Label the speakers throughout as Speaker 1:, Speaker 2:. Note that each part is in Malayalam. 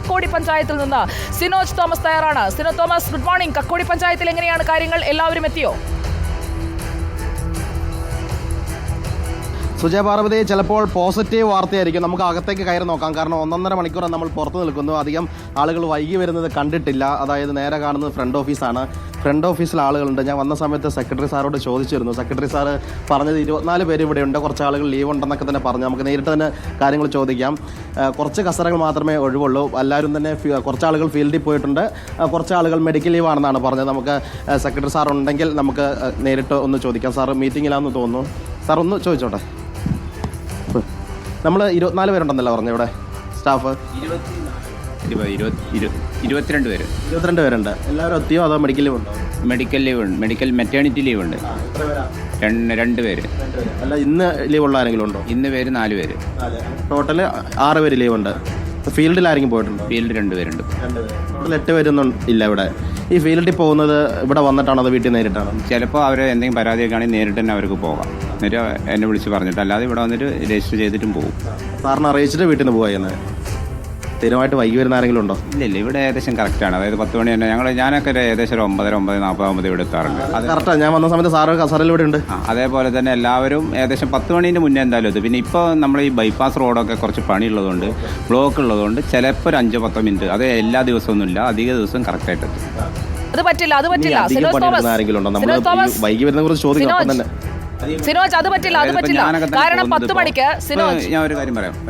Speaker 1: കക്കോടി പഞ്ചായത്തിൽ നിന്ന് സിനോജ് തോമസ് തയ്യാറാണ്. സിനോ തോമസ്, ഗുഡ് മോർണിംഗ്. കക്കോടി പഞ്ചായത്തിൽ എങ്ങനെയാണ് കാര്യങ്ങൾ? എല്ലാവരും എത്തിയോ?
Speaker 2: സുജയ പാർവതി, ചിലപ്പോൾ പോസിറ്റീവ് വാർത്തയായിരിക്കും. നമുക്ക് അകത്തേക്ക് കയറി നോക്കാം. കാരണം 1.5 മണിക്കൂർ നമ്മൾ പുറത്ത് നിൽക്കുന്നു. അധികം ആളുകൾ വൈകി വരുന്നത് കണ്ടിട്ടില്ല. അതായത് നേരെ കാണുന്നത് ഫ്രണ്ട് ഓഫീസാണ്. ഫ്രണ്ട് ഓഫീസിൽ ആളുകളുണ്ട്. ഞാൻ വന്ന സമയത്ത് സെക്രട്ടറി സാറോട് ചോദിച്ചിരുന്നു. സെക്രട്ടറി സാറ് പറഞ്ഞത് 24 പേര് ഇവിടെ ഉണ്ട്, കുറച്ച് ആളുകൾ ലീവ് ഉണ്ടെന്നൊക്കെ തന്നെ പറഞ്ഞു. നമുക്ക് നേരിട്ട് തന്നെ കാര്യങ്ങൾ ചോദിക്കാം. കുറച്ച് കസരകൾ മാത്രമേ ഒഴിവുള്ളൂ. എല്ലാവരും തന്നെ കുറച്ച് ആളുകൾ ഫീൽഡിൽ പോയിട്ടുണ്ട്, കുറച്ച് ആളുകൾ മെഡിക്കൽ ലീവ് ആണെന്നാണ് പറഞ്ഞത്. നമുക്ക് സെക്രട്ടറി സാർ ഉണ്ടെങ്കിൽ നമുക്ക് നേരിട്ട് ഒന്ന് ചോദിക്കാം. സാർ മീറ്റിങ്ങിലാണെന്ന് തോന്നുന്നു. സാർ ഒന്ന് ചോദിച്ചോട്ടെ. നമ്മൾ 24 പേരുണ്ടെന്നല്ല പറഞ്ഞു ഇവിടെ സ്റ്റാഫ്? 22 പേരുണ്ട്. എല്ലാവരും എത്തിയോ അതോ മെഡിക്കൽ ലീവ് ഉണ്ടോ?
Speaker 3: മെഡിക്കൽ ലീവ് ഉണ്ട്, മെറ്റേണിറ്റി ലീവ് ഉണ്ട്. 2 പേര്.
Speaker 2: അല്ല, ഇന്ന് ലീവ് ഉള്ള ആരെങ്കിലും ഉണ്ടോ?
Speaker 3: ഇന്ന് പേര് 4 പേര്.
Speaker 2: ടോട്ടൽ 6 പേര് ലീവ് ഉണ്ട്. ഫീൽഡിൽ ആരെങ്കിലും പോയിട്ടുണ്ടോ?
Speaker 3: ഫീൽഡ് 2 പേരുണ്ട്.
Speaker 2: ടോട്ടൽ 8 പേരൊന്നും ഇല്ല ഇവിടെ. ഈ ഫീൽഡിൽ പോകുന്നത് ഇവിടെ വന്നിട്ടാണോ അതോ വീട്ടിൽ നേരിട്ടാണോ?
Speaker 3: ചിലപ്പോൾ അവർ എന്തെങ്കിലും പരാതിയൊക്കെ ആണെങ്കിൽ നേരിട്ട് തന്നെ അവർക്ക് പോകാം. എന്നിട്ട് എന്നെ വിളിച്ച് പറഞ്ഞിട്ട്, അല്ലാതെ ഇവിടെ വന്നിട്ട് രജിസ്റ്റർ ചെയ്തിട്ടും പോകും.
Speaker 2: സാറിന് അറിയിച്ചിട്ട് വീട്ടിൽ നിന്ന് പോകാൻ സ്ഥിരമായിട്ട് വൈകി വരുന്ന ആരെങ്കിലും ഉണ്ടോ?
Speaker 3: ഇല്ല, ഇവിടെ ഏകദേശം കറക്റ്റാണ്. അതായത് 10 മണി തന്നെ ഞാനൊക്കെ ഏകദേശം ഒരു 9:40 ഇവിടെ എത്താറുണ്ട്.
Speaker 2: അത് കറക്റ്റാണ്. ഞാൻ വന്ന സമയത്ത് സാറ് കസറിൽ ഇവിടെ ഉണ്ട്.
Speaker 3: അതേപോലെ തന്നെ എല്ലാവരും ഏകദേശം 10 മണീൻ്റെ മുന്നേ എന്തായാലും എത്തും. പിന്നെ ഇപ്പോൾ നമ്മൾ ഈ ബൈപ്പാസ് റോഡൊക്കെ കുറച്ച് പണിയുള്ളതുകൊണ്ട്, ബ്ലോക്ക് ഉള്ളതുകൊണ്ട് ചിലപ്പോൾ ഒരു 5-10 മിനിറ്റ്, അത് എല്ലാ ദിവസമൊന്നുമില്ല, അധിക ദിവസം കറക്റ്റായിട്ട് എത്തും.
Speaker 1: അത് പറ്റില്ല.
Speaker 2: ആരെങ്കിലും ഉണ്ടോ? നമ്മൾ വൈകി വരുന്ന കുറിച്ച് ചോദിക്കാം തന്നെ.
Speaker 1: സിനോജ്, അത് പറ്റില്ല. കാരണം 10 മണിക്ക് സിനോജ്,
Speaker 3: ഞാൻ ഒരു കാര്യം പറയാം.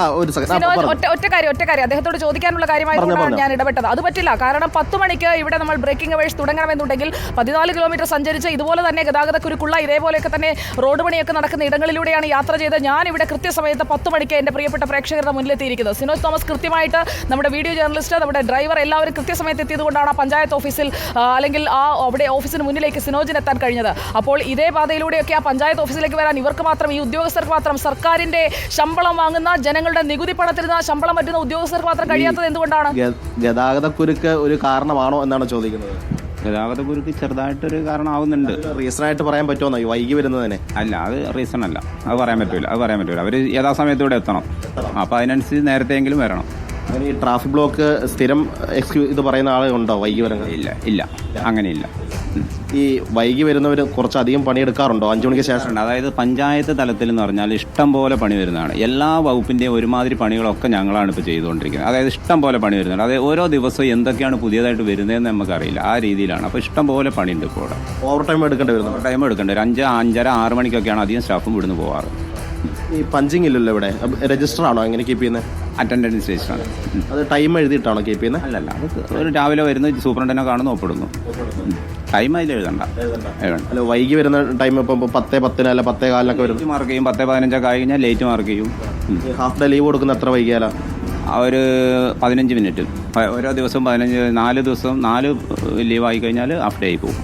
Speaker 1: ഒറ്റ കാര്യം അദ്ദേഹത്തോട് ചോദിക്കാനുള്ള കാര്യമായിട്ടാണ് ഞാൻ ഇടപെട്ടത്. അത് പറ്റില്ല. കാരണം 10 മണിക്ക് ഇവിടെ നമ്മൾ ബ്രേക്കിംഗ് അവേഴ്സ് തുടങ്ങണമെന്നുണ്ടെങ്കിൽ 14 കിലോമീറ്റർ സഞ്ചരിച്ച് ഇതുപോലെ തന്നെ ഗതാഗതക്കുരുക്കുള്ള ഇതേപോലെയൊക്കെ തന്നെ റോഡ് പണിയൊക്കെ നടക്കുന്ന ഇടങ്ങളിലൂടെയാണ് യാത്ര ചെയ്ത് ഞാൻ ഇവിടെ കൃത്യസമയത്ത് 10 മണിക്ക് എൻ്റെ പ്രിയപ്പെട്ട പ്രേക്ഷകരുടെ മുന്നിലെത്തിയിരിക്കുന്നത്. സിനോജ് തോമസ് കൃത്യമായിട്ട് നമ്മുടെ വീഡിയോ ജേർണലിസ്റ്റ്, നമ്മുടെ ഡ്രൈവർ എല്ലാവരും കൃത്യസമയത്ത് എത്തിയതുകൊണ്ടാണ് ആ പഞ്ചായത്ത് ഓഫീസിൽ അല്ലെങ്കിൽ അവിടെ ഓഫീസിന് മുന്നിലേക്ക് സിനോജിന് എത്താൻ കഴിഞ്ഞത്. അപ്പോൾ ഇതേ പാതയിലൂടെയൊക്കെ പഞ്ചായത്ത് ഓഫീസിലേക്ക് വരാൻ ഇവർക്ക് മാത്രം, ഈ ഉദ്യോഗസ്ഥർക്ക് മാത്രം, സർക്കാരിന്റെ ശമ്പളം വാങ്ങുന്ന, ജനങ്ങളുടെ നികുതി പണത്തിൽ നിന്ന് ശമ്പളം പറ്റുന്ന ഉദ്യോഗസ്ഥർക്ക് മാത്രം കഴിയാത്തത് എന്തുകൊണ്ടാണ്?
Speaker 2: ഗതാഗതക്കുരുക്ക് ഒരു കാരണമാണോ എന്നാണ് ചോദിക്കുന്നത്.
Speaker 3: ഗതാഗതക്കുരുക്ക് ചെറുതായിട്ടൊരു കാരണമാവുന്നുണ്ട്.
Speaker 2: റീസണായിട്ട് പറയാൻ പറ്റുമോ ഈ വൈകി വരുന്നതിനെ?
Speaker 3: അല്ല, അത് റീസൺ അല്ല. അത് പറയാൻ പറ്റൂല. അവർ യഥാസമയത്ത് ഇവിടെ എത്തണം. അപ്പോൾ അതിനനുസരിച്ച് നേരത്തെയെങ്കിലും വരണം.
Speaker 2: അങ്ങനെ ഈ ട്രാഫിക് ബ്ലോക്ക് സ്ഥിരം ഇത് പറയുന്ന ആളുണ്ടോ വൈകി വരുന്നത്?
Speaker 3: ഇല്ല, അങ്ങനെയില്ല.
Speaker 2: ഈ വൈകി വരുന്നവർ കുറച്ചധികം പണിയെടുക്കാറുണ്ടോ 5 മണിക്ക് ശേഷം?
Speaker 3: അതായത് പഞ്ചായത്ത് തലത്തിൽ എന്ന് പറഞ്ഞാൽ ഇഷ്ടം പോലെ പണി വരുന്നതാണ്. എല്ലാ വകുപ്പിൻ്റെയും ഒരുമാതിരി പണികളൊക്കെ ഞങ്ങളാണ് ഇപ്പോൾ ചെയ്തുകൊണ്ടിരിക്കുന്നത്. അതായത് ഇഷ്ടം പോലെ പണി വരുന്നുണ്ട്. അതായത് ഓരോ ദിവസവും എന്തൊക്കെയാണ് പുതിയതായിട്ട് വരുന്നതെന്ന് നമുക്കറിയില്ല. ആ രീതിയിലാണ്. അപ്പോൾ ഇഷ്ടം പോലെ പണിയുണ്ട് ഇപ്പോൾ ഇവിടെ.
Speaker 2: ഓവർ ടൈം എടുക്കേണ്ടി വരുന്നു.
Speaker 3: ടൈം എടുക്കേണ്ടി വരും. 5, 5:30, 6 മണിക്കൊക്കെയാണ് അധികം സ്റ്റാഫും ഇവിടുന്ന് പോകാറ്.
Speaker 2: ഈ പഞ്ചിങ് ഇല്ലല്ലോ ഇവിടെ. രജിസ്റ്റർ ആണോ എങ്ങനെ കീപ്പ് ചെയ്യുന്നത്?
Speaker 3: അറ്റൻഡൻസ് രജിസ്റ്ററാണ്.
Speaker 2: അത് ടൈം എഴുതിയിട്ടാണോ കീപ്പ് ചെയ്യുന്നത്?
Speaker 3: അല്ലല്ല, അത് ഒരു രാവിലെ വരുന്ന സൂപ്രണ്ടിനെ കാണുന്നു, ഒപ്പിടുന്നു. ടൈം അതിൽ എഴുതണ്ട.
Speaker 2: അല്ല, വൈകി വരുന്ന ടൈം ഇപ്പം 10:10 അല്ല 10:15 വരും.
Speaker 3: മാർക്ക് ചെയ്യും. 10:15 ആയി കഴിഞ്ഞാൽ ലേറ്റ് മാർക്ക് ചെയ്യും.
Speaker 2: ഹാഫ് ഡേ ലീവ് കൊടുക്കുന്ന എത്ര വൈകിയാലോ?
Speaker 3: ഒരു 15 മിനിറ്റ്. ഓരോ ദിവസവും 4 ദിവസം 4 ലീവ് ആയി കഴിഞ്ഞാൽ ഹാഫ് ഡേ ആയി പോകും.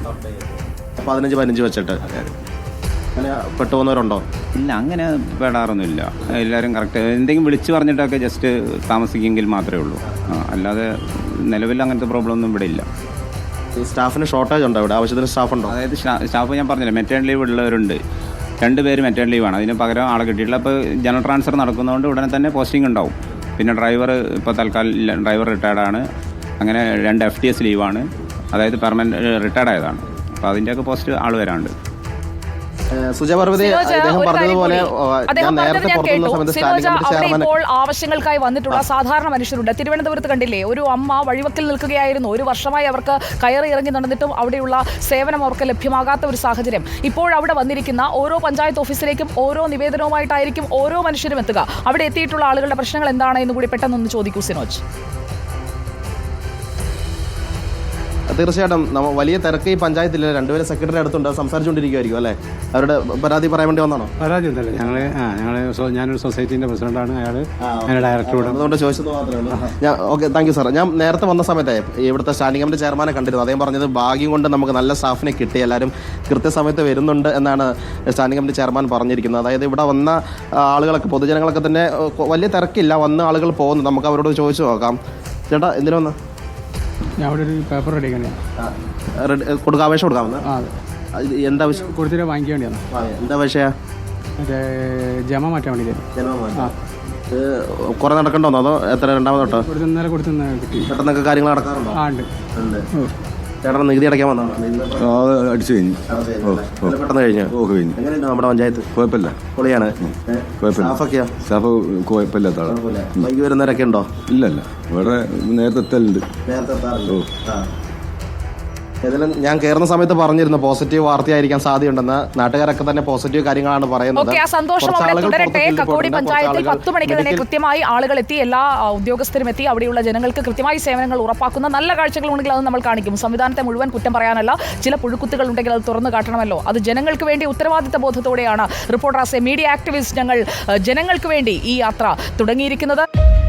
Speaker 2: 15 വെച്ചിട്ട് അങ്ങനെ പെട്ടുപോകുന്നവരുണ്ടോ?
Speaker 3: ഇല്ല, അങ്ങനെ പെടാറൊന്നുമില്ല. എല്ലാവരും കറക്റ്റ് എന്തെങ്കിലും വിളിച്ച് പറഞ്ഞിട്ടൊക്കെ ജസ്റ്റ് താമസിക്കുമെങ്കിൽ മാത്രമേ ഉള്ളൂ. അല്ലാതെ നിലവിൽ അങ്ങനത്തെ പ്രോബ്ലം ഒന്നും ഇവിടെ ഇല്ല.
Speaker 2: ഈ സ്റ്റാഫിന് ഷോർട്ടേജ് ഉണ്ടോ ഇവിടെ? ആവശ്യത്തിന് സ്റ്റാഫ് ഉണ്ടോ?
Speaker 3: അതായത് സ്റ്റാഫ് ഞാൻ പറഞ്ഞില്ല, മെറ്റേൺ ലീവ് ഉള്ളവരുണ്ട്. 2 പേര് മെറ്റേൺ ലീവാണ്. അതിന് പകരം ആളെ കിട്ടിയിട്ടില്ല. അപ്പോൾ ജനറൽ ട്രാൻസ്ഫർ നടക്കുന്നതുകൊണ്ട് ഉടനെ തന്നെ പോസ്റ്റിംഗ് ഉണ്ടാവും. പിന്നെ ഡ്രൈവർ ഇപ്പോൾ തൽക്കാലം ഡ്രൈവർ റിട്ടയർഡാണ്. അങ്ങനെ 2 FTS ലീവാണ്. അതായത് പെർമനന്റ് റിട്ടയർഡ് ആയതാണ്. അപ്പോൾ അതിൻ്റെയൊക്കെ പോസ്റ്റ് ആൾ വരാണ്ട്.
Speaker 2: സുജയ പാർവതി, അദ്ദേഹം പറഞ്ഞതുപോലെ
Speaker 1: ഇപ്പോൾ ആവശ്യങ്ങൾക്കായി വന്നിട്ടുള്ള സാധാരണ മനുഷ്യരുണ്ട്. തിരുവനന്തപുരത്ത് കണ്ടില്ലേ, ഒരു അമ്മ വഴിവക്കിൽ നിൽക്കുകയായിരുന്നു. 1 വർഷമായി അവർക്ക് കയറി ഇറങ്ങി നടന്നിട്ടും അവിടെയുള്ള സേവനം അവർക്ക് ലഭ്യമാകാത്ത ഒരു സാഹചര്യം. ഇപ്പോഴവിടെ വന്നിരിക്കുന്ന ഓരോ പഞ്ചായത്ത് ഓഫീസിലേക്കും ഓരോ നിവേദനവുമായിട്ടായിരിക്കും ഓരോ മനുഷ്യരും എത്തുക. അവിടെ എത്തിയിട്ടുള്ള ആളുകളുടെ പ്രശ്നങ്ങൾ എന്താണ് എന്ന് കൂടി പെട്ടെന്നൊന്ന് ചോദിക്കൂ സിനോജ്.
Speaker 2: തീർച്ചയായിട്ടും വലിയ തിരക്ക് ഈ പഞ്ചായത്തിൽ 2 പേര് സെക്രട്ടറി അടുത്തുണ്ട്, സംസാരിച്ചുകൊണ്ടിരിക്കുമായിരിക്കും അല്ലേ? അവരുടെ പരാതി പറയാൻ വേണ്ടി വന്നാണോ?
Speaker 4: പരാതി ഉണ്ടല്ലോ. ഞാനൊരു സൊസൈറ്റീൻ്റെ പ്രസിഡന്റാണ്. അയാൾ ഡയറക്ടറോട്
Speaker 2: അതുകൊണ്ട് ചോദിച്ചത് മാത്രമേ ഉള്ളൂ. Okay, thank you sir. ഞാൻ നേരത്തെ വന്ന സമയത്ത് ഇവിടുത്തെ സ്റ്റാൻഡിംഗ് കമ്മിറ്റി ചെയർമാനെ കണ്ടിരുന്നു. അദ്ദേഹം പറഞ്ഞത് ഭാഗ്യം കൊണ്ട് നമുക്ക് നല്ല സ്റ്റാഫിനെ കിട്ടി, എല്ലാവരും കൃത്യസമയത്ത് വരുന്നുണ്ട് എന്നാണ് സ്റ്റാൻഡിംഗ് കമ്മിറ്റി ചെയർമാൻ പറഞ്ഞിരിക്കുന്നത്. അതായത് ഇവിടെ വന്ന ആളുകളൊക്കെ, പൊതുജനങ്ങളൊക്കെ തന്നെ വലിയ തിരക്കില്ല, വന്ന ആളുകൾ പോകുന്നു. നമുക്ക് അവരോട് ചോദിച്ചു നോക്കാം. ചേട്ടാ, എന്തിനു വന്ന്?
Speaker 4: ഞാൻ അവിടെ ഒരു പേപ്പർ റെഡിയാക്കാൻ
Speaker 2: കൊടുക്കാം, അപേക്ഷ കൊടുക്കാമെന്ന്. എന്താ ആവശ്യം?
Speaker 4: കൊടുത്തിട്ട് വാങ്ങിക്കാൻ വേണ്ടിയാണ്.
Speaker 2: എന്താ വിഷയം?
Speaker 4: മറ്റേ ജമ മാറ്റാൻ വേണ്ടിയിട്ട്.
Speaker 2: കുറെ നടക്കണ്ടോന്നോ അതോ എത്ര രണ്ടാമത് തൊട്ടോ
Speaker 4: ഇന്നലെ കൊടുത്തുന്ന കിട്ടി.
Speaker 2: പെട്ടെന്നൊക്കെ കാര്യങ്ങൾ നടക്കാറുണ്ടോ?
Speaker 4: ആ ഉണ്ട്.
Speaker 2: ചേട്ടൻ നികുതി അടയ്ക്കാൻ വന്നതാണോ?
Speaker 5: അടിച്ചു കഴിഞ്ഞു.
Speaker 2: പെട്ടെന്ന് കഴിഞ്ഞു.
Speaker 5: കഴിഞ്ഞു.
Speaker 2: എങ്ങനെയുണ്ട് നമ്മുടെ പഞ്ചായത്ത്?
Speaker 5: കുഴപ്പമില്ല.
Speaker 2: പൊളിയാണ്.
Speaker 5: കുഴപ്പമില്ല. സ്റ്റാഫ് കുഴപ്പമില്ലാത്ത ആളാണ്.
Speaker 2: വൈകി വരുന്നവരൊക്കെ ഉണ്ടോ?
Speaker 5: ഇല്ലല്ല, ഇവിടെ നേരത്തെ എത്തലുണ്ട്.
Speaker 2: ഏതായാലും ഞാൻ കയറുന്ന സമയത്ത് പറഞ്ഞിരുന്നു പോസിറ്റീവ് വാർത്തയായിരിക്കാൻ സാധ്യതയുണ്ടെന്ന്. നാട്ടുകാരൊക്കെ തന്നെ പോസിറ്റീവ് കാര്യങ്ങളാണ് പറയുന്നത്.
Speaker 1: ഓക്കെ, ആ സന്തോഷം അവിടെ തുടരട്ടെ. കക്കോടി പഞ്ചായത്തിൽ 10 മണിക്ക് തന്നെ കൃത്യമായി ആളുകൾ എത്തി, എല്ലാ ഉദ്യോഗസ്ഥരും എത്തി, അവിടെയുള്ള ജനങ്ങൾക്ക് കൃത്യമായി സേവനങ്ങൾ ഉറപ്പാക്കുന്ന നല്ല കാഴ്ചകളുണ്ടെങ്കിൽ അത് നമ്മൾ കാണിക്കും. സംവിധാനത്തെ മുഴുവൻ കുറ്റം പറയാനല്ല, ചില പുഴുക്കുത്തുകൾ ഉണ്ടെങ്കിൽ അത് തുറന്നു കാട്ടണമല്ലോ. അത് ജനങ്ങൾക്ക് വേണ്ടി ഉത്തരവാദിത്ത ബോധത്തോടെയാണ് reporter as a media activist ഞങ്ങൾ ജനങ്ങൾക്ക് വേണ്ടി ഈ യാത്ര തുടങ്ങിയിരിക്കുന്നത്.